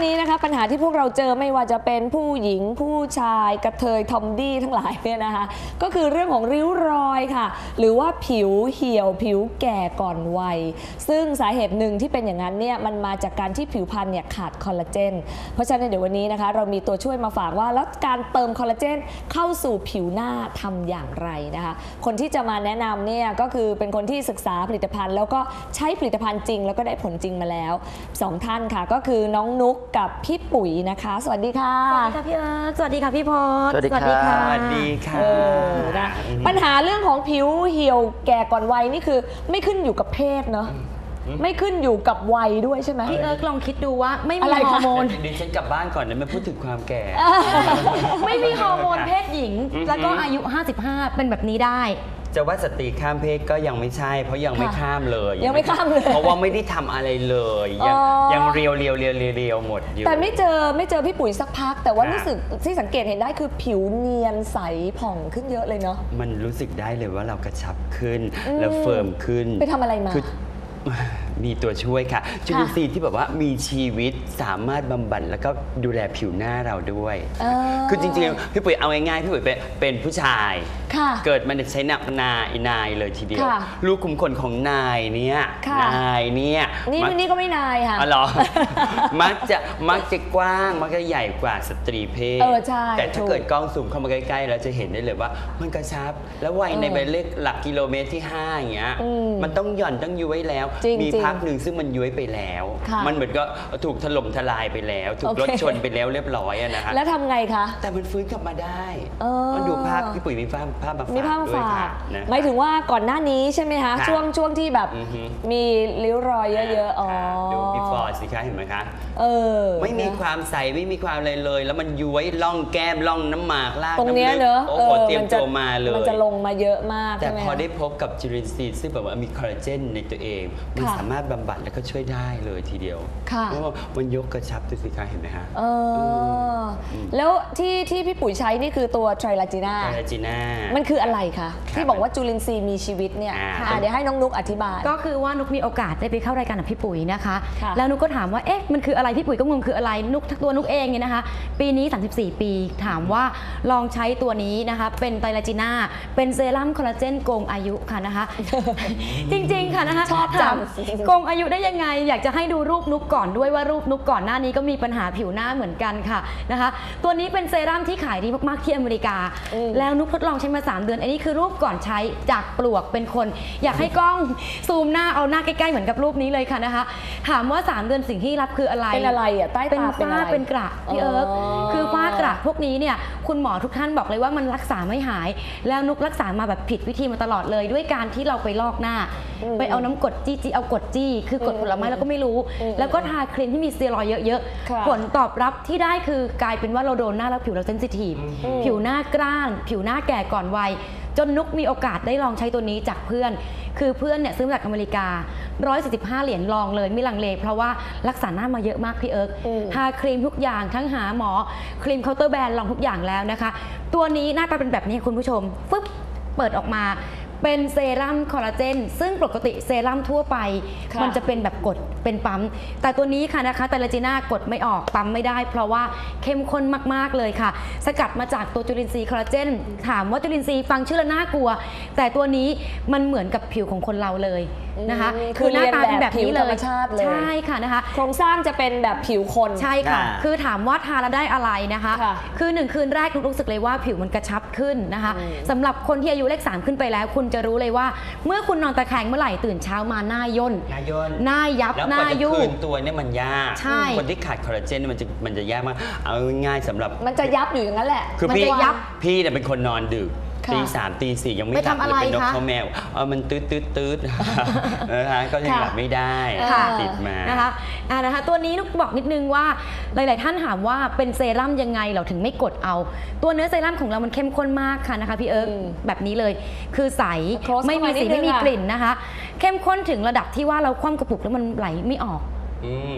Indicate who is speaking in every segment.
Speaker 1: นี้นะคะปัญหาที่พวกเราเจอไม่ว่าจะเป็นผู้หญิงผู้ชายกระเทยทอมดี้ทั้งหลายเนี่ยนะคะก็คือเรื่องของริ้วรอยค่ะหรือว่าผิวเหี่ยวผิวแก่ก่อนวัยซึ่งสาเหตุหนึ่งที่เป็นอย่างนั้นเนี่ยมันมาจากการที่ผิวพรรณเนี่ยขาดคอลลาเจนเพราะฉะนั้นเดี๋ยววันนี้นะคะเรามีตัวช่วยมาฝากว่าแล้วการเติมคอลลาเจนเข้าสู่ผิวหน้าทำอย่างไรนะคะคนที่จะมาแนะนำเนี่ยก็คือเป็นคนที่ศึกษาผลิตภัณฑ์แล้วก็ใช้ผลิตภัณฑ์จริงแล้วก็ได้ผลจริงมาแล้ว2ท่านค่ะก็คือน้องนุ๊กกับพี่ปุ๋ยนะคะสวัสดีค่ะ
Speaker 2: สวัสดีค่ะพี่เอิร์กสวัสดีค่ะพี่พศ
Speaker 3: สวัสดีค่ะสวัสดีค่ะ
Speaker 1: นะปัญหาเรื่องของผิวเหี่ยวแก่ก่อนวัยนี่คือไม่ขึ้นอยู่กับเพศเนาะไม่ขึ้นอยู่กับวัยด้วยใช่ไหม
Speaker 2: พี่เอิร์กลองคิดดูว่าไม่มีฮอร์โมน
Speaker 3: ดิฉันกลับบ้านก่อนนะไม่พูดถึงความแก่
Speaker 2: ไม่มีฮอร์โมนเพศหญิงแล้วก็อายุ55เป็นแบบนี้ได้
Speaker 3: จะว่าสตรีข้ามเพศก็ยังไม่ใช่เพราะยังไม่ข้ามเลย
Speaker 1: ยังไม่ข้ามเลย
Speaker 3: เพราะว่าไม่ได้ทำอะไรเลยยังเรียวหมดอยู่
Speaker 1: แต่ไม่เจอพี่ปุ๋ยสักพักแต่ว่ารู้สึกที่สังเกตเห็นได้คือผิวเนียนใสผ่องขึ้นเยอะเลยเนาะ
Speaker 3: มันรู้สึกได้เลยว่าเรากระชับขึ้นแล้วเฟิร์มขึ้น
Speaker 1: ไปทำอะไรมา
Speaker 3: มีตัวช่วยค่ะจุลินทรีย์ที่แบบว่ามีชีวิตสามารถบำบัดแล้วก็ดูแลผิวหน้าเราด้วยคือจริงๆพี่ปุ๋ยเอาง่ายๆพี่ปุ๋ยเป็นผู้ชายเกิดมาใช้นายเลยทีเดียวลูกขุมขนของนายเนี่ย
Speaker 1: นี่ก็ไม่นายค่ะ
Speaker 3: อ๋อเหรอมักจะกว้างมักจะใหญ่กว่าสตรีเพศแต่ถ้าเกิดกล้องซูมเข้ามาใกล้ๆเราจะเห็นได้เลยว่ามันกระชับแล้ววัยในใบเลขหลักกิโลเมตรที่5อย่างเงี้ยมันต้องหย่อนต้องยุ้ยแล้วมีพักหนึ่งซึ่งมันย้วยไปแล้วมันเหมือนก็ถูกถล่มทลายไปแล้วถูกรถชนไปแล้วเรียบร้อยนะฮะ
Speaker 1: แล้วทำไงคะ
Speaker 3: แต่มันฟื้นกลับมาได้มันดูภาพพี่ปุ๋ยมีภาพมาฝาก
Speaker 1: ด้วยค่ะหมายถึงว่าก่อนหน้านี้ใช่ไหมคะช่วงที่แบบมีริ้วรอยเยอะ
Speaker 3: ๆดู before สิคะเห็นไหมคะไม่มีความใสไม่มีความอะไรเลยแล้วมันย้วยล่องแก้มล่องน้ำหมากลาก
Speaker 1: ตรงนี้เนอะ
Speaker 3: โอ้โหเตรียมตัวมาเลย
Speaker 1: มันจะลงมาเยอะมาก
Speaker 3: แต่พอได้พบกับจุลินทรีย์ซึ่งแบบว่ามีคอลลาเจนในตัวเองมันสามารถบำบัดแล้วก็ช่วยได้เลยทีเดียวเพราะว่ามันยกกระชับตัวสิคะเห็นไหมฮะ
Speaker 1: แล้วที่พี่ปุ๋ยใช้นี่คือตัวไทรลาจีน่ามันคืออะไรคะที่บอกว่าจุลินทรีย์มีชีวิตเนี่ยเดี๋ยวให้น้องนุ๊กอธิบาย
Speaker 2: ก็คือว่านุ๊กมีโอกาสได้ไปเข้ารายการกับพี่ปุ๋ยนะคะแล้วนุ๊กก็ถามว่าเอ๊ะมันคืออะไรพี่ปุ๋ยก็งงคืออะไรนุ๊กตัวนุ๊กเองเนี่ยนะคะปีนี้34ปีถามว่าลองใช้ตัวนี้นะคะเป็นไทรลาจีน่าเป็นเซรั่มคอลลาเจนโกงอายุค่ะนะคะจริงๆค่ะนะคะ
Speaker 1: ชอบจัง
Speaker 2: โกงอายุได้ยังไงอยากจะให้ดูรูปนุ๊กก่อนด้วยว่ารูปนุ๊กก่อนหน้านี้ก็มีปัญหาผิวหน้าเหมือนกันค่ะนะคะตัวนี้เป็นเซรั่มที่ขายดีมากๆที่อเมริกาแล้วนุ๊กทดลองใช้มา3 เดือนอันนี้คือรูปก่อนใช้จากปลวกเป็นคนอยากให้กล้องซูมหน้าเอาหน้าใกล้ๆเหมือนกับรูปนี้เลยค่ะนะคะถามว่า3 เดือนสิ่งที่รับคืออะไร
Speaker 1: เป็นอะไรอ่ะใต้ตา
Speaker 2: เป็นฝ้าเป็นกระพี่เอิร์กคือฝ้ากระพวกนี้เนี่ยคุณหมอทุกท่านบอกเลยว่ามันรักษาไม่หายแล้วนุ๊กรักษามาแบบผิดวิธีมาตลอดเลยด้วยการที่เราไปลอกหน้าไปเอาน้ำกรดจี้เอากรดจี้คือกรดผลไม้เราก็ไม่รู้แล้วก็ทาครีมที่มีสเตียรอยด์เยอะๆผลตอบรับที่ได้คือกลายเป็นว่าเราโดนหน้าแล้วผิวเราเซนซิทีฟผิวหน้ากร้านผิวหน้าแก่ก่อนวัยจนนุ๊กมีโอกาสได้ลองใช้ตัวนี้จากเพื่อนคือเพื่อนเนี่ยซื้อมาจากอเมริกา145 เหรียญลองเลยไม่ลังเลเพราะว่ารักษาหน้ามาเยอะมากพี่เอิร์กทาครีมทุกอย่างทั้งหาหมอครีมเคาน์เตอร์แบรนด์ลองทุกอย่างแล้วนะคะตัวนี้หน้าตาเป็นแบบนี้คุณผู้ชมฟึ๊บเปิดออกมาเป็นเซรั่มคอลลาเจนซึ่งปกติเซรั่มทั่วไปมันจะเป็นแบบกดเป็นปั๊มแต่ตัวนี้ค่ะนะคะไทรลาจีน่ากดไม่ออกปั๊มไม่ได้เพราะว่าเข้มข้นมากๆเลยค่ะสกัดมาจากตัวจุลินทรีย์คอลลาเจนถามว่าจุลินทรีย์ฟังชื่อแล้วน่ากลัวแต่ตัวนี้มันเหมือนกับผิวของคนเราเลยนะคะคือหน้าตาเป็นแบบนี้เลยใช่ค่ะนะคะ
Speaker 1: โครงสร้างจะเป็นแบบผิวคน
Speaker 2: ใช่ค่ะคือถามว่าทาแล้วได้อะไรนะคะคือ1 คืนแรกรู้สึกเลยว่าผิวมันกระชับขึ้นนะคะสำหรับคนที่อายุเลข3ขึ้นไปแล้วคุณจะรู้เลยว่าเมื่อคุณนอนตะแคงเมื่อไหร่ตื่นเช้ามาหน้าย่นหน้ายับหน้ายุ่ง
Speaker 3: คืนตัวเนี่ยมันยากคนที่ขาดคอลลาเจนมันจะยากมากเอาง่ายสำหรับ
Speaker 1: มันจะยับอยู่อย่างนั้นแหละ
Speaker 3: คือพี่เนี่ยเป็นคนนอนดึกตี 3 ตี 4ยังไม่หลับเลยเป็นนกเขาแมวมันตืดนะคะก็ยังหลับไม่ได้ติดมา
Speaker 2: นะคะตัวนี้นุ๊กบอกนิดนึงว่าหลายๆท่านถามว่าเป็นเซรั่มยังไงเราถึงไม่กดเอาตัวเนื้อเซรั่มของเรามันเข้มข้นมากค่ะนะคะพี่เอิร์กแบบนี้เลยคือใสไม่มีสีไม่มีกลิ่นนะคะเข้มข้นถึงระดับที่ว่าเราคว่ำกระปุกแล้วมันไหลไม่ออก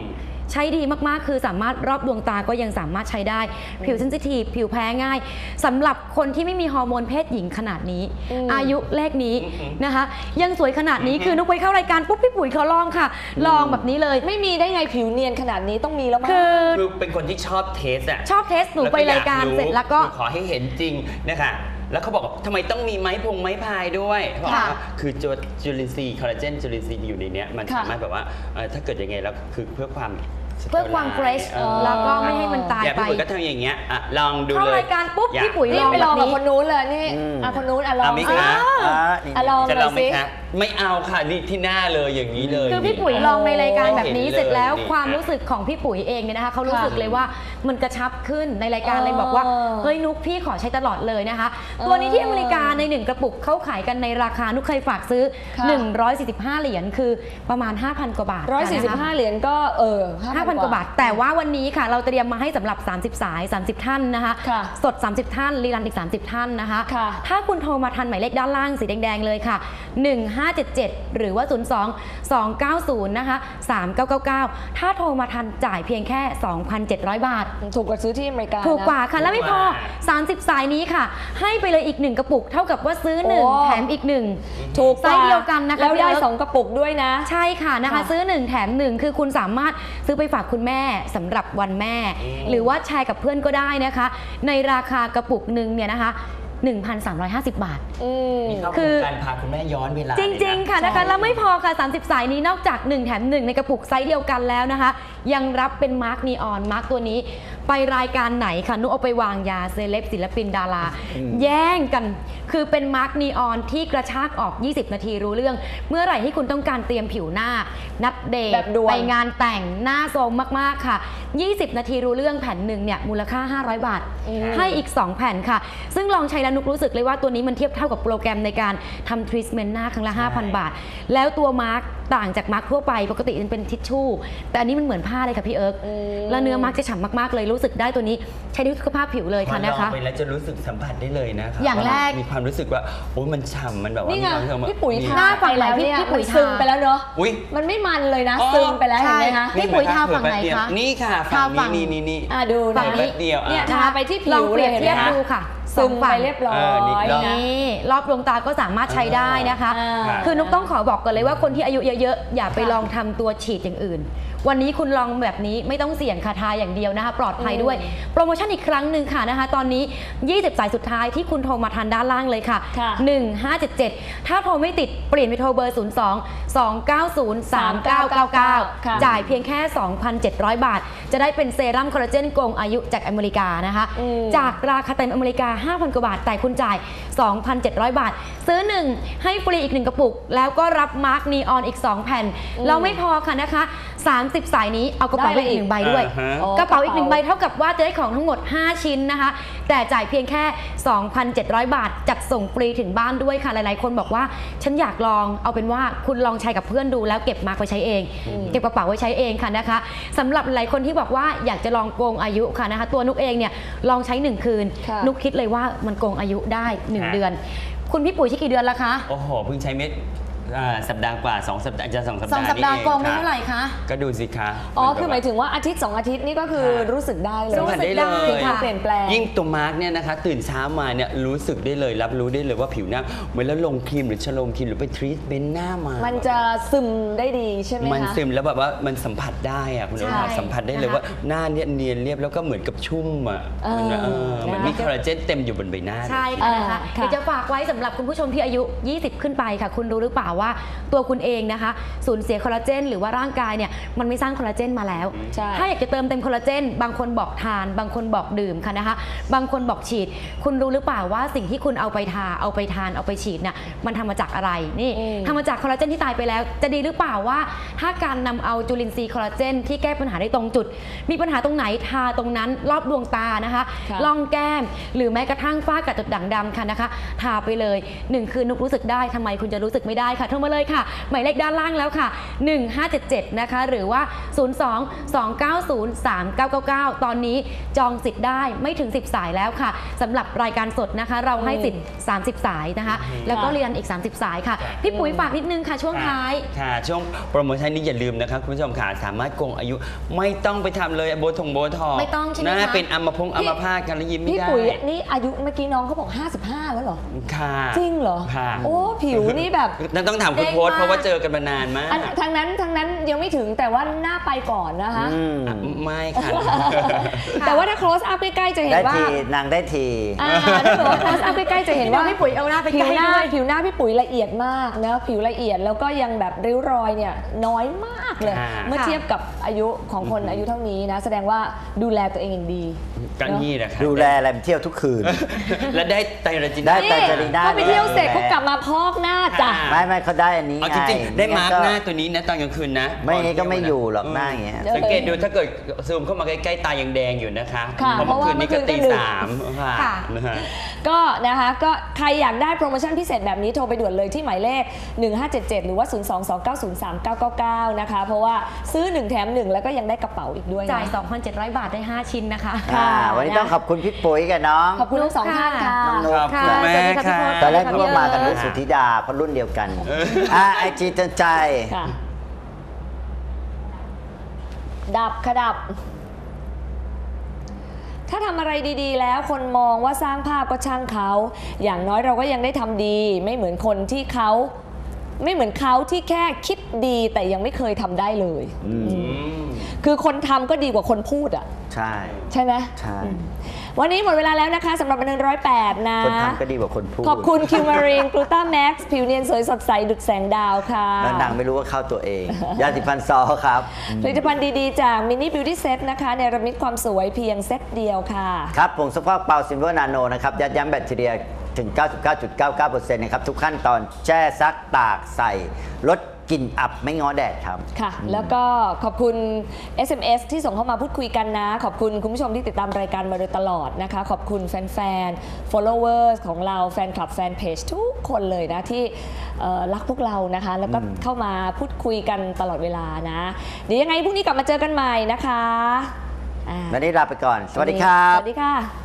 Speaker 2: ใช้ดีมากๆคือสามารถรอบดวงตาก็ยังสามารถใช้ได้ผิวเซนซิทีฟผิวแพ้ง่ายสำหรับคนที่ไม่มีฮอร์โมนเพศหญิงขนาดนี้อายุเลขนี้นะคะยังสวยขนาดนี้คือนุกไปเข้ารายการปุ๊บพี่ปุ๋ยเขาลองค่ะลองแบบนี้เลย
Speaker 1: ไม่มีได้ไงผิวเนียนขนาดนี้ต้องมีแล้วมั้ง
Speaker 3: คือเป็นคนที่ชอบเทสอะ
Speaker 2: ชอบเทสหนูไปรายการเสร็จแล้วก็
Speaker 3: ขอให้เห็นจริงนะคะแล้วเขาบอกทำไมต้องมีไม้พายด้วยบอกว่าคือจุลินทรีย์คอลลาเจนจุลินทรีย์อยู่ในนี้มันสามารถแบบว่าถ้าเกิดยังไงแล้วคือเพื่อความ
Speaker 2: เฟรชแล้วก็ไม่ให้มันตายไป
Speaker 3: พี่ปุ๋ยก็ทำอย่างเงี้ยลองดูเลย
Speaker 2: เข้ารายการปุ๊บพี่ปุ๋ยลอง
Speaker 1: ไปลองกับคนนู้นเลยนี่คนนู้นลอง
Speaker 3: ไหมคะ
Speaker 1: ลองเลยสิ
Speaker 3: ไม่เอาค่ะนี่ที่หน้าเลยอย่างนี้เลย
Speaker 2: คือพี่ปุ๋ยลองในรายการแบบนี้เสร็จแล้วความรู้สึกของพี่ปุ๋ยเองเนี่ยนะคะเขารู้สึกเลยว่ามันกระชับขึ้นในรายการเลยบอกว่าเฮ้ยนุกพี่ขอใช้ตลอดเลยนะคะตัวนี้ที่อเมริกาใน1กระปุกเขาขายกันในราคานุกเคยฝากซื้อ145เหรียญคือประมาณ 5,000 กว่าบาท
Speaker 1: 145เหรียญก็
Speaker 2: 5,000 กว่าบาทแต่ว่าวันนี้ค่ะเราเตรียมมาให้สำหรับ30สาย30ท่านนะคะสด30ท่านรีรันอีก30ท่านนะคะถ้าคุณโทรมาทันหมายเลขด้านล่างสีแดงๆเลยค่ะ1577หรือว่า02-290นะคะ3999ถ้าโทรมาทันจ่ายเพียงแค่ 2,700 บาท
Speaker 1: ถูกกว่าซื้อที่อเมริกา
Speaker 2: ถูกกว่าค่ะแล้วไม่พอ30สายนี้ค่ะให้ไปเลยอีก1กระปุกเท่ากับว่าซื้อ1แถมอีก1
Speaker 1: ถูก
Speaker 2: ไซส์เดียวกันนะคะ
Speaker 1: แล้วได้2กระปุกด้วยนะ
Speaker 2: ใช่ค่ะนะคะซื้อ1แถม1คือคุณสามารถซื้อไปฝากคุณแม่สำหรับวันแม่หรือว่าแชร์กับเพื่อนก็ได้นะคะในราคากระปุกหนึ่งเนี่ยนะคะ1,350 บาท
Speaker 3: คือการพาคุณแม่ย้อนเวลา
Speaker 2: จริงๆค่ะนะคะแล้วไม่พอค่ะ30สายนี้นอกจาก1แถม1ในกระปุกไซส์เดียวกันแล้วนะคะยังรับเป็นมาร์กนีออนมาร์กตัวนี้ไปรายการไหนค่ะนุเอาไปวางยาเซเลบศิลปินดาราแย่งกันคือเป็นมาร์กนีออนที่กระชากออก20นาทีรู้เรื่องเมื่อไหร่ที่คุณต้องการเตรียมผิวหน้านัดเดทไปงานแต่งหน้าโซมมากๆค่ะ20นาทีรู้เรื่องแผ่นหนึ่งเนี่ยมูลค่า500 บาทให้อีก2แผ่นค่ะซึ่งลองใช้แล้วนุกรู้สึกเลยว่าตัวนี้มันเทียบเท่ากับโปรแกรมในการทำทรีทเมนต์หน้าครั้งละ 5,000 บาทแล้วตัวมาร์กต่างจากมาร์กทั่วไปปกติมันเป็นทิชชู่แต่อันนี้มันเหมือนผ้าเลยค่ะพี่เอิร์กแล้วเนื้อมาร์กจะฉ่ำมากๆเลยรู้สึกได้ตัวนี้ใช้ในสุขภาพผิวเลยค่ะนะคะ
Speaker 3: ไปแล้วจะรู้สึกสัมผัสได้เลยนะคะ
Speaker 2: อย่างแรก
Speaker 3: มีความรู้สึกว่าโอ้มันฉ่ำมันแบบว่า
Speaker 1: พี่ปุ๋ย
Speaker 2: หน้าฝั่งไหนพี่ปุ๋ย
Speaker 1: ซึมไปแล้วเนาะมันไม่มันเลยนะซึมไปแล้วเห็นไหมคะ
Speaker 2: พี่ปุ๋ยทาฝั่งไหนคะ
Speaker 3: นี่ค่ะฝั่งนี้
Speaker 1: ดู
Speaker 2: ฝั่งนี้
Speaker 3: เดียว
Speaker 1: เนี่ยทาไปที่ผิวเลย
Speaker 2: เทียบดูค่ะ
Speaker 1: ซึมไปเรียบร้อย
Speaker 2: นี่รอบดวงตาก็สามารถใช้ได้นะคะคือนุกต้องขอบอกก่อนเลยว่าคนที่อายุเยอะๆอย่าไปลองทำตัวฉีดอย่างอื่นวันนี้คุณลองแบบนี้ไม่ต้องเสี่ยงคาทาอย่างเดียวนะคะปลอดภัยด้วยโปรโมชั่นอีกครั้งหนึ่งค่ะนะคะตอนนี้20สายสุดท้ายที่คุณโทรมาทันด้านล่างเลยค่ะ1577ถ้าโทรไม่ติดเปลี่ยนไปโทรเบอร์02-290-3999จ่ายเพียงแค่ 2,700 บาทจะได้เป็นเซรั่มคอลลาเจนโกงอายุจากอเมริกานะคะจากราคาเต็มอเมริกา 5,000 กว่าบาทแต่คุณจ่าย 2,700 บาทซื้อ1ให้ฟรีอีก1กระปุกแล้วก็รับมาร์กนีออนอีก2แผ่นแล้วไม่พอค่ะนะคะ30สายนี้เอากระเป๋าอีก1ใบด้วยกระเป๋าอีก1ใบเท่ากับว่าจะได้ของทั้งหมด5ชิ้นนะคะแต่จ่ายเพียงแค่ 2,700 บาทจัดส่งฟรีถึงบ้านด้วยค่ะหลายๆคนบอกว่าฉันอยากลองเอาเป็นว่าคุณลองใช้กับเพื่อนดูแล้วเก็บมาร์กไว้ใช้เองเก็บกระเป๋าไว้ใช้เองค่ะนะคะสำหรับหลายคนที่บอกว่าอยากจะลองโกงอายุค่ะนะคะตัวนุกเองเนี่ยลองใช้1คืนนุกคิดเลยว่ามันโกงอายุได้1เดือนคุณพี่ปุ๋ยใช้กี่เดือนแล้วคะ
Speaker 3: โอ้โหเพิ่งใช้เม็ดสัปดาห์กว่า2 สัปดาห์จะ2 สัปดาห์
Speaker 2: 2 สัปดาห์โกงได้เท่าไหร่คะ
Speaker 3: ก็ดูสิคะ
Speaker 1: คือหมายถึงว่าอาทิตย์2อาทิตย์นี่ก็คือรู้สึกได้เลย
Speaker 3: รู้สึกได้เลย
Speaker 1: เปลี่ยนแปลง
Speaker 3: ยิ่งตัวมาร์กเนี่ยนะคะตื่นเช้ามาเนี่ยรู้สึกได้เลยรับรู้ได้เลยว่าผิวหน้าเหมือนแล้วลงครีมหรือชโลมครีมหรือไปทรีทเมนต์หน้ามา
Speaker 1: มันจะซึมได้ดีใช่ไหมคะ
Speaker 3: มันซึมแล้วแบบว่ามันสัมผัสได้อะคุณผู้ชมสัมผัสได้เลยว่าหน้าเนี่ยเนียนเรียบแล้วก็เหมือนกับชุ่มอ่ะเหมือนมีคอลลาเจนเต็มอยู่บนใบหน้า
Speaker 2: ใช่ค่ะเดี๋ยวจะฝากไว้สำหรับคุณผู้ชมที่อายุ20ขึ้นไปค่ะคุณรู้หรือเปล่าว่าตัวคุณเองนะคะสูญเสียคอลลาเจนหรือว่าร่างกายเนี่ยมันไม่สร้างคอลลาเจนมาแล้วถ้าอยากจะเติมเต็มคอลลาเจนบางคนบอกทานบางคนบอกดื่มค่ะนะคะบางคนบอกฉีดคุณรู้หรือเปล่าว่าสิ่งที่คุณเอาไปทาเอาไปทานเอาไปฉีดเนี่ยมันทำมาจากอะไรนี่ทำมาจากคอลลาเจนที่ตายไปแล้วจะดีหรือเปล่าว่าถ้าการนำเอาจุลินทรีย์คอลลาเจนที่แก้ปัญหาได้ตรงจุดมีปัญหาตรงไหนทาตรงนั้นรอบดวงตานะคะล่องแก้มหรือแม้กระทั่งฝ้ากระจุดด่างดำค่ะนะคะทาไปเลย1คืนนุกรู้สึกได้ทำไมคุณจะรู้สึกไม่ได้คะค่ะโทรมาเลยค่ะหมายเลขด้านล่างแล้วค่ะ1577นะคะหรือว่า02-290-3999ตอนนี้จองสิทธิ์ได้ไม่ถึง10 สายแล้วค่ะสำหรับรายการสดนะคะเราให้สิทธิ์30 สายนะคะแล้วก็เรียนอีก30 สายค่ะพี่ปุ๋ยฝากนิดนึงค่ะช่วงท้าย
Speaker 3: ค่ะช่วงโปรโมชั่นนี้อย่าลืมนะครับคุณผู้ชมค่ะสามารถโกงอายุไม่ต้องไปทำเลยโบทงโบทอก
Speaker 2: ไม่ต้องใช่ไหมคะ
Speaker 3: เป็นอัมพาตกันแล้วยิ้มไม่ได้
Speaker 1: พี่ปุ๋ยนี่อายุเมื่อกี้น้องเขาบอก55แล้วเหรอ
Speaker 3: ค่ะ
Speaker 1: จริงเหรอ
Speaker 3: ค่ะ
Speaker 1: โอ้ผิวนี่แบบ
Speaker 3: ต้องถามคุณโพสเพราะว่าเจอกันมานานมาก
Speaker 1: ทางนั้นยังไม่ถึงแต่ว่าหน้าไปก่อนนะคะ
Speaker 3: ไม่ค่ะ
Speaker 1: แต่ว่าถ้า close up ใกล้ๆจะเห็นว่
Speaker 4: านางได้ที
Speaker 1: ถ้าเกิดว่า close up ใกล้ๆจะเห็นว่า
Speaker 2: พี่ปุ๋ยเอาหน้าไปใกล้
Speaker 1: ผิวหน้าพี่ปุ๋ยละเอียดมากนะผิวละเอียดแล้วก็ยังแบบริ้วรอยเนี่ยน้อยมากเลยเมื่อเทียบกับอายุของคนอายุเท่านี้นะแสดงว่าดูแลตัวเองอย่างดี
Speaker 3: กันนี่แหละครับ
Speaker 4: ดูแลอะไรเที่ยวทุกคืน
Speaker 3: และได้ไตรจี
Speaker 4: น่าได้ไตรจีน่า
Speaker 1: ก็ไปเที่ยวเสร็จเขากลับมาพอกหน้าจ้ะ
Speaker 4: ไม่เขาได้อันนี้ไง
Speaker 3: จริงๆได้มาร์กหน้าตัวนี้นะตอนกลางคืนนะ
Speaker 4: ไม่งี้ก็ไม่อยู่หรอกหน้าอย่างเงี้ย
Speaker 3: สังเกตดูถ้าเกิดซูมเข้ามาใกล้ๆตายังแดงอยู่นะคะเพราะเมื่อคืนนี้ก็ตี 3ค่ะ
Speaker 1: ก็นะคะก็ใครอยากได้โปรโมชั่นพิเศษแบบนี้โทรไปด่วนเลยที่หมายเลข1577หรือว่า022903999นะคะเพราะว่าซื้อ1แถม1แล้วก็ยังได้กระเป๋าอีกด้วย
Speaker 2: จ่าย 2,700 บาทได้5ชิ้นนะคะ
Speaker 4: วันนี้ต้องขอบคุณพี่ปุ๋ยกับน้อง
Speaker 1: ขอบคุณทั้งสองท่านค่ะ
Speaker 3: ขอบคุณแม่ค่ะ
Speaker 4: ตอนแรกก็มากันด้วยสุธิดาเพราะรุ่นเดียวกันไอจีเตือนใจ
Speaker 1: ดับถ้าทำอะไรดีๆแล้วคนมองว่าสร้างภาพก็ช่างเขาอย่างน้อยเราก็ยังได้ทำดีไม่เหมือนเขาที่แค่คิดดีแต่ยังไม่เคยทำได้เลยคือคนทำก็ดีกว่าคนพูดอ่ะใช่ไหม
Speaker 4: ใช่
Speaker 1: วันนี้หมดเวลาแล้วนะคะสำหรับบันเทิง108นะ
Speaker 4: คนทำก็ดีกว่าคนพูด
Speaker 1: ขอบคุณคิวมารีนกลูต้าแม็กซ์ผิวเนียนสวยสดใสดุจแสงดาวค่ะ
Speaker 4: แล้วนางไม่รู้ว่าเข้าตัวเองยาสีฟันซอครับ
Speaker 1: ผลิตภัณฑ์ดีๆจากมินิบิวตี้เซตนะคะในระมิดความสวยเพียงเซตเดียวค่ะ
Speaker 4: ครับผงซักฟอกเปาซิลเวอร์นาโนนะครับยัดยั้งแบคทีเรียถึง 99.99% นะครับทุกขั้นตอนแช่ซักตากใส่ลดกลิ่นอับไม่ง้อแดดครับ
Speaker 1: ค่ะแล้วก็ขอบคุณ SMS ที่ส่งเข้ามาพูดคุยกันนะขอบคุณคุณผู้ชมที่ติดตามรายการมาโดยตลอดนะคะขอบคุณแฟนๆ followers ของเราแฟนคลับแฟนเพจทุกคนเลยนะที่รักพวกเรานะคะแล้วก็เข้ามาพูดคุยกันตลอดเวลานะเดี๋ยวยังไงพรุ่งนี้กลับมาเจอกันใหม่นะคะ
Speaker 4: วันนี้ลาไปก่อนสวัสดีครับ
Speaker 1: สวัสดีค่ะ